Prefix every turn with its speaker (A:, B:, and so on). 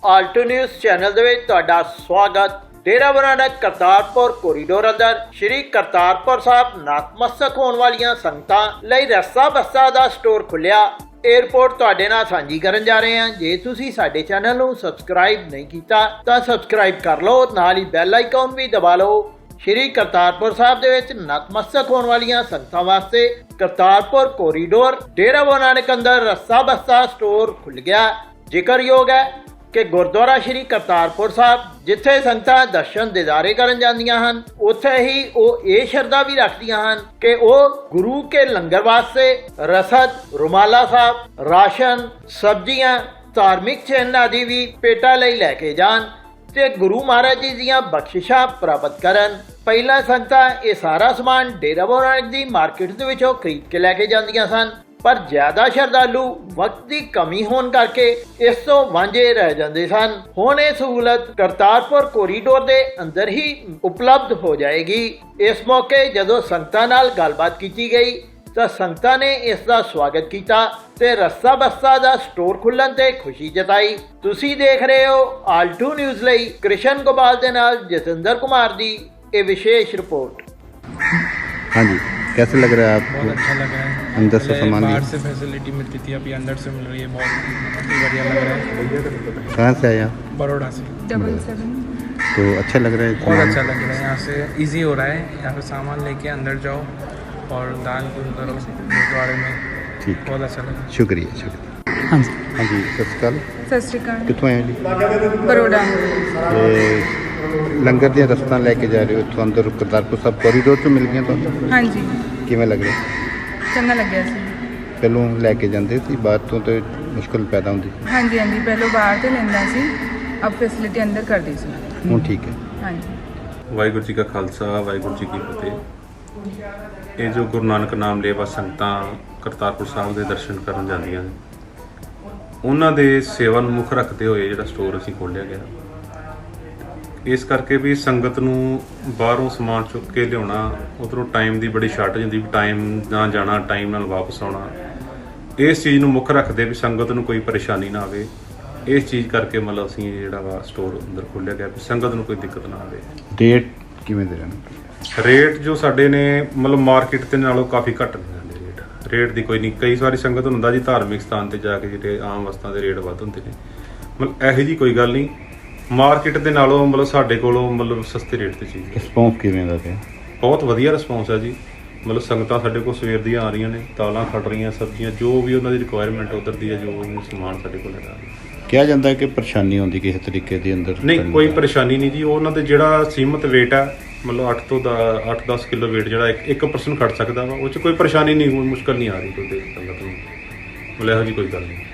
A: Alto news channel ਦੇ ਵਿੱਚ ਤੁਹਾਡਾ ਸਵਾਗਤ। डेरा बाबा नानक करतारपुर कोरीडोर अंदर श्री करतारपुर साहब नतमस्तक होने वालियां संगतां लई रस्सा बस्सा दा स्टोर खुलिया। ਇਹ ਰਿਪੋਰਟ ਤੁਹਾਡੇ ਨਾਲ ਸਾਂਝੀ ਕਰਨ ਜਾ ਰਹੇ ਹਾਂ। ਜੇ ਤੁਸੀਂ ਸਾਡੇ ਚੈਨਲ ਨੂੰ ਸਬਸਕ੍ਰਾਈਬ ਨਹੀਂ ਕੀਤਾ ਤਾਂ ਸਬਸਕ੍ਰਾਈਬ ਕਰ ਲਓ, ਨਾਲ ਹੀ ਬੈਲ ਆਈਕਨ ਵੀ ਦਬਾ ਲਓ। ਸ਼੍ਰੀ ਕਰਤਾਰਪੁਰ ਸਾਹਿਬ ਦੇ ਵਿੱਚ ਨਤਮਸਤਕ ਹੋਣ ਵਾਲੀਆਂ ਸੰਗਤਾਂ ਵਾਸਤੇ ਕਰਤਾਰਪੁਰ ਕੋਰੀਡੋਰ ਡੇਰਾ ਬਾਬਾ ਨਾਨਕ ਅੰਦਰ ਰੱਸਾ ਬਸਤਾ ਸਟੋਰ ਖੁੱਲ ਗਿਆ। ਜ਼ਿਕਰਯੋਗ ਹੈ ਕਿ ਗੁਰਦੁਆਰਾ ਸ਼੍ਰੀ ਕਰਤਾਰਪੁਰ ਸਾਹਿਬ ਜਿੱਥੇ ਸੰਗਤਾਂ ਦਰਸ਼ਨ ਦਿਦਾਰੇ ਕਰਨ ਜਾਂਦੀਆਂ ਹਨ, ਉੱਥੇ ਹੀ ਉਹ ਇਹ ਸ਼ਰਧਾ ਵੀ ਰੱਖਦੀਆਂ ਹਨ ਕਿ ਉਹ ਗੁਰੂ ਕੇ ਲੰਗਰ ਵਾਸਤੇ ਰਸਦ, ਰੁਮਾਲਾ ਸਾਹਿਬ, ਰਾਸ਼ਨ, ਸਬਜ਼ੀਆਂ, ਧਾਰਮਿਕ ਚਿੰਨ੍ਹ ਆਦਿ ਵੀ ਪੇਟਾ ਲਈ ਲੈ ਕੇ ਜਾਣ ਤੇ ਗੁਰੂ ਮਹਾਰਾਜ ਜੀ ਦੀਆਂ ਬਖਸ਼ਿਸ਼ਾਂ ਪ੍ਰਾਪਤ ਕਰਨ। ਪਹਿਲਾਂ ਸੰਗਤਾਂ ਇਹ ਸਾਰਾ ਸਮਾਨ ਡੇਰਾ ਬਾਬਾ ਨਾਨਕ ਦੀ ਮਾਰਕੀਟ ਦੇ ਵਿੱਚੋਂ ਖਰੀਦ ਕੇ ਲੈ ਕੇ ਜਾਂਦੀਆਂ ਸਨ, ਪਰ ਜ਼ਿਆਦਾ ਸ਼ਰਧਾਲੂ ਵਕਤ ਦੀ ਕਮੀ ਹੋਣ ਕਰਕੇ ਇਸ ਤੋਂ ਵਾਂਝੇ ਰਹਿ ਜਾਂਦੇ ਸਨ। ਹੁਣ ਇਹ ਸਹੂਲਤ ਕਰਤਾਰਪੁਰ ਕੋਰੀਡੋਰ ਦੇ ਅੰਦਰ ਹੀ ਉਪਲਬਧ ਹੋ ਜਾਏਗੀ। ਇਸ ਮੌਕੇ ਜਦੋਂ ਸੰਗਤਾਂ ਨਾਲ ਗੱਲਬਾਤ ਕੀਤੀ ਗਈ ਤਾਂ ਸੰਗਤਾਂ ਨੇ ਇਸ ਦਾ ਸਵਾਗਤ ਕੀਤਾ ਤੇ ਰੱਸਾ ਬਸਤਾ ਦਾ ਸਟੋਰ ਖੁੱਲਣ ਤੇ ਖੁਸ਼ੀ ਜਤਾਈ। ਤੁਸੀਂ ਦੇਖ ਰਹੇ ਹੋ ਆਲਟੋ ਨਿਊਜ਼ ਲਈ ਕ੍ਰਿਸ਼ਨ ਗੋਪਾਲ ਦੇ ਨਾਲ ਜਤਿੰਦਰ कुमार ਦੀ ਇਹ विशेष रिपोर्ट।
B: हाँ जी, कैसे लग रहा है आपको?
C: बहुत अच्छा लग रहा है।
B: अंदर से सामान
C: बाहर से फैसिलिटी मिलती थी, अभी अंदर से मिल रही है, बहुत बढ़िया लग रहा है।
B: कहाँ से आया?
C: बड़ौदा से।
D: 77।
B: तो अच्छा लग रहा है?
C: बहुत अच्छा लग रहा है, यहाँ से इजी हो रहा है। यहाँ पे सामान लेके अंदर जाओ और दान पुण्य करो गुरुद्वारे में।
B: ठीक,
C: बहुत अच्छा लगा।
B: शुक्रिया शुक्रिया।
C: हाँ जी,
B: हाँ जी, सत श्री अकाल।
D: सत श्री अकाल।
B: कितों आए जी?
D: बड़ौदा।
B: ते लंगर ਦੀਆਂ ਰਸਤਾਂ ਲੈ ਕੇ ਜਾ ਰਹੇ ਹੋ ਇੱਥੋਂ ਅੰਦਰ ਕਰਤਾਰਪੁਰ ਸਾਹਿਬ ਕੋਰੀਡੋਰ ਤੋਂ ਮਿਲ ਗਈਆਂ ਤੁਹਾਨੂੰ?
D: हाँ जी,
B: ਕਿਵੇਂ ਲੱਗ ਰਿਹਾ?
D: चंगा लग्या सी।
B: ਪਹਿਲੋਂ ਲੈ ਕੇ ਜਾਂਦੇ ਸੀ, ਬਾਅਦ ਤੋਂ ਤੇ ਮੁਸ਼ਕਲ ਪੈਦਾ ਹੁੰਦੀ ਸੀ।
D: हाँ जी, हाँ जी, पहले बाहर से लेंदा सी, अब फैसिलिटी अंदर कर दी सी।
B: ਹੁਣ ਠੀਕ ਹੈ।
D: हाँ जी।
E: ਵਾਹਿਗੁਰੂ ਜੀ ਕਾ ਖਾਲਸਾ, ਵਾਹਿਗੁਰੂ ਜੀ ਕੀ ਫਤਿਹ। ਇਹ ਜੋ ਗੁਰੂ ਨਾਨਕ ਨਾਮ ਲੇਵਾ ਸੰਗਤਾਂ ਕਰਤਾਰਪੁਰ ਸਾਹਿਬ ਦੇ ਦਰਸ਼ਨ ਕਰਨ ਜਾਂਦੀਆਂ ਨੇ, ਉਹਨਾਂ ਦੇ ਸੇਵਾ ਨੂੰ ਮੁੱਖ ਰੱਖਦੇ ਹੋਏ ਜਿਹੜਾ ਸਟੋਰ ਅਸੀਂ ਖੋਲ੍ਹਿਆ ਗਿਆ। ਇਸ ਕਰਕੇ ਵੀ ਸੰਗਤ ਨੂੰ ਬਾਹਰੋਂ ਸਮਾਨ ਚੁੱਕ ਕੇ ਲਿਆਉਣਾ, ਉੱਧਰੋਂ ਟਾਈਮ ਦੀ ਬੜੀ ਸ਼ਾਰਟੇਜ ਹੁੰਦੀ, ਟਾਈਮ ਨਾਲ ਜਾਣਾ, ਟਾਈਮ ਨਾਲ ਵਾਪਸ ਆਉਣਾ। ਇਸ ਚੀਜ਼ ਨੂੰ ਮੁੱਖ ਰੱਖਦੇ ਵੀ ਸੰਗਤ ਨੂੰ ਕੋਈ ਪਰੇਸ਼ਾਨੀ ਨਾ ਆਵੇ। ਇਸ ਚੀਜ਼ ਕਰਕੇ ਮਤਲਬ ਅਸੀਂ ਜਿਹੜਾ ਵਾ ਸਟੋਰ ਅੰਦਰ ਖੋਲ੍ਹਿਆ ਗਿਆ ਵੀ ਸੰਗਤ ਨੂੰ ਕੋਈ ਦਿੱਕਤ ਨਾ ਆਵੇ।
B: ਡੇਟ ਕਿਵੇਂ ਦੇ ਰਹੇ?
E: ਰੇਟ ਜੋ ਸਾਡੇ ਨੇ ਮਤਲਬ ਮਾਰਕੀਟ ਦੇ ਨਾਲੋਂ ਕਾਫੀ ਘੱਟ ਨੇ ਸਾਡੇ ਰੇਟ ਦੀ ਕੋਈ ਨਹੀਂ। ਕਈ ਸਾਰੀ ਸੰਗਤ ਹੁੰਦਾ ਜੀ ਧਾਰਮਿਕ ਸਥਾਨ ਤੇ ਜਾ ਕੇ ਜਿਹੜੇ ਆਮ ਵਸਤਾਂ ਦੇ ਰੇਟ ਵੱਧ ਹੁੰਦੇ ਨੇ, ਮਤਲਬ ਇਹੋ ਜਿਹੀ ਕੋਈ ਗੱਲ ਨਹੀਂ। ਮਾਰਕੀਟ ਦੇ ਨਾਲੋਂ ਮਤਲਬ ਸਾਡੇ ਕੋਲੋਂ ਮਤਲਬ ਸਸਤੇ ਰੇਟ ਤੇ ਚੀਜ਼।
B: ਰਿਸਪੌਂਸ ਕਿਵੇਂ ਦਾ ਪਿਆ?
E: ਬਹੁਤ ਵਧੀਆ ਰਿਸਪੌਂਸ ਹੈ ਜੀ। ਮਤਲਬ ਸੰਗਤਾਂ ਸਾਡੇ ਕੋਲ ਸਵੇਰ ਦੀਆਂ ਆ ਰਹੀਆਂ ਨੇ, ਦਾਲਾਂ ਖੜ ਰਹੀਆਂ, ਸਬਜ਼ੀਆਂ, ਜੋ ਵੀ ਉਹਨਾਂ ਦੀ ਰਿਕੁਆਇਰਮੈਂਟ ਉੱਧਰ ਦੀ ਹੈ, ਜੋ ਵੀ ਸਮਾਨ ਸਾਡੇ ਕੋਲ ਹੈਗਾ।
B: ਕਿਹਾ ਜਾਂਦਾ ਹੈ ਕਿ ਪਰੇਸ਼ਾਨੀ ਆਉਂਦੀ ਕਿਸੇ ਤਰੀਕੇ ਦੀ ਅੰਦਰ?
E: ਨਹੀਂ, ਕੋਈ ਪਰੇਸ਼ਾਨੀ ਨਹੀਂ ਜੀ। ਉਹਨਾਂ ਦੇ ਜਿਹੜਾ ਸੀਮਤ ਵੇਟ ਹੈ, ਮਤਲਬ 8-10 ਕਿਲੋ ਵੇਟ ਜਿਹੜਾ ਇੱਕ ਪਰਸਨ ਖੜ ਸਕਦਾ ਵਾ, ਉਹ 'ਚ ਕੋਈ ਪਰੇਸ਼ਾਨੀ ਨਹੀਂ, ਮੁਸ਼ਕਲ ਨਹੀਂ ਆ ਰਹੀ ਕੋਈ ਸੰਗਤ ਨੂੰ। ਮਤਲਬ ਇਹੋ ਜਿਹੀ ਕੋਈ ਗੱਲ ਨਹੀਂ।